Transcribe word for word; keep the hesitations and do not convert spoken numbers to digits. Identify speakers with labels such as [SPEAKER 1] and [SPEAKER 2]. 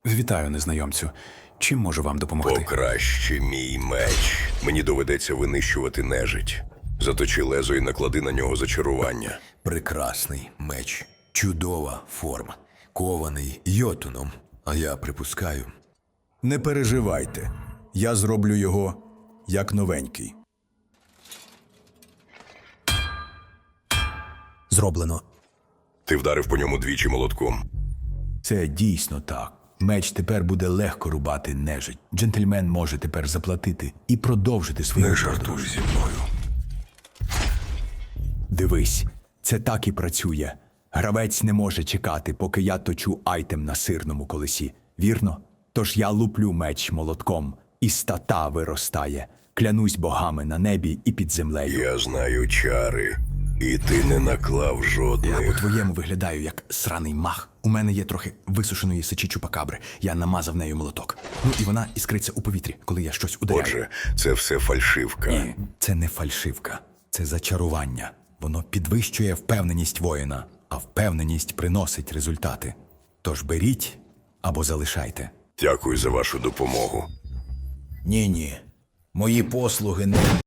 [SPEAKER 1] Вітаю, незнайомцю. Чим можу вам допомогти?
[SPEAKER 2] Покраще мій меч. Мені доведеться винищувати нежить. Заточи лезо і наклади на нього зачарування.
[SPEAKER 3] Прекрасний меч. Чудова форма. Кований йотуном. А я припускаю.
[SPEAKER 4] Не переживайте. Я зроблю його як новенький.
[SPEAKER 3] Зроблено.
[SPEAKER 2] Ти вдарив по ньому двічі молотком.
[SPEAKER 4] Це дійсно так. Меч тепер буде легко рубати нежить. Джентльмен може тепер заплатити і продовжити свою
[SPEAKER 2] Не
[SPEAKER 4] подорож.
[SPEAKER 2] жартуй зі мною.
[SPEAKER 4] Дивись, це так і працює. Гравець не може чекати, поки я точу айтем на сирному колесі. Вірно? Тож я луплю меч молотком, і стата виростає. Клянусь богами на небі і під землею.
[SPEAKER 2] Я знаю чари, і ти не наклав
[SPEAKER 4] Я
[SPEAKER 2] жодних.
[SPEAKER 4] по-твоєму виглядаю як сраний мах. У мене є трохи висушеної сечі чупакабри. Я намазав нею молоток. Ну і вона іскриться у повітрі, коли я щось ударяю.
[SPEAKER 2] Отже, це все фальшивка.
[SPEAKER 4] Ні, це не фальшивка. Це зачарування. Воно підвищує впевненість воїна, а впевненість приносить результати. Тож беріть або залишайте.
[SPEAKER 2] Дякую за вашу допомогу.
[SPEAKER 5] Ні-ні. Мої послуги не